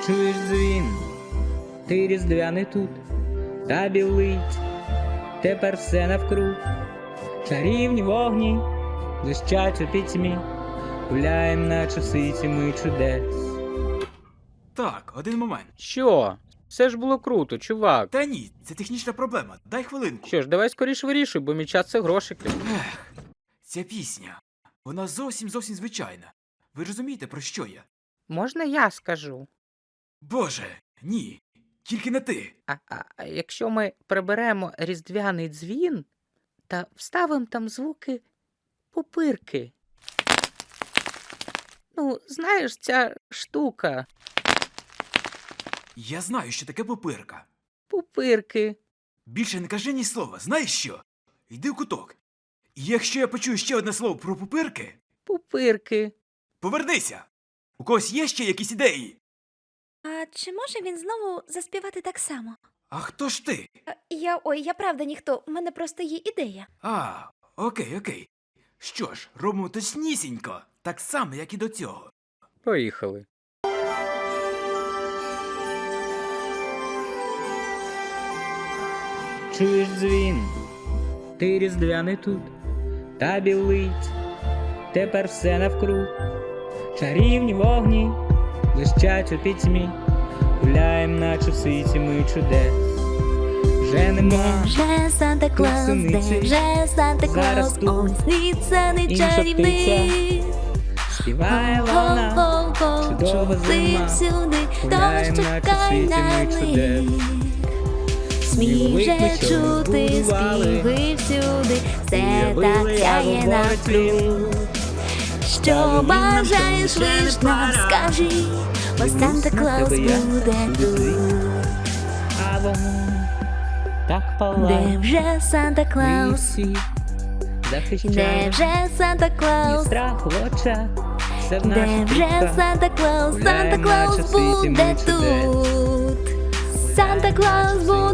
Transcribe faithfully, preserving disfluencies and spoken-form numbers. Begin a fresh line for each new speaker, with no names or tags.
Чуєш дзвін, ти різдвяний тут, та білить, тепер все навкруг. Чарівні вогні блищать у пітьмі, гуляєм, наче в світі ми чудес.
Так, один момент.
Що? Все ж було круто, чувак.
Та ні, це технічна проблема. Дай хвилинку.
Що ж, давай скоріш вирішуй, бо мій час це грошики.
Ех, ця пісня. Вона зовсім зовсім звичайна. Ви розумієте, про що я?
Можна я скажу?
Боже, ні. Тільки не ти.
А, а, а якщо ми приберемо різдвяний дзвін та вставимо там звуки пупирки. Ну, знаєш, ця штука.
Я знаю, що таке пупирка.
Пупирки.
Більше не кажи ні слова. Знаєш що? Йди в куток. І якщо я почую ще одне слово про пупирки,
Пупирки.
повернися. У когось є ще якісь ідеї?
А чи може він знову заспівати так само?
А хто ж ти?
Е, Я ой, я правда ніхто. У мене просто є ідея.
А, окей, окей. Що ж, робимо точнісінько, так само, як і до цього.
Поїхали.
Чуєш дзвін, ти різдвяний тут, та білить, тепер все навкруг. Чарівні вогні блищать у пітьмі, гуляєм, наче в світі ми чудес. Вже нема
Вже Санта Клаус, де
синиці,
вже Санта
зараз
Клаус,
тут
ой, сніться не
інша
чарівний.
співає вона,
Го-го-го,
чудова
чути
зима,
всюди,
гуляєм,
тож
наче в
чекай
світі
на
ми чудес.
них. Сміх
Сніговик ми
вже
щойно
чути,
збудували,
співи всюди, все
уявили,
так
як
сяє
говорить він.
навкруг.
Скаже
Що
він нам,
бажаєш,
що нічого
лиш
не
нам
пора.
скажи, бо
Дивлюсь
Санта
на
Клаус
тебе я,
буде
всюди ти.
тут.
А вогонь так
Де
палає,
вже Санта
ми
Клаус,
всі
де
захищаємо,
вже Санта
ні
Клаус,
страху в очах, все в
де
наших
вже
руках.
Санта Клаус, Санта
Гуляєм,
Клаус
наче в світі ми
буде
чудес.
тут. Санта Клаус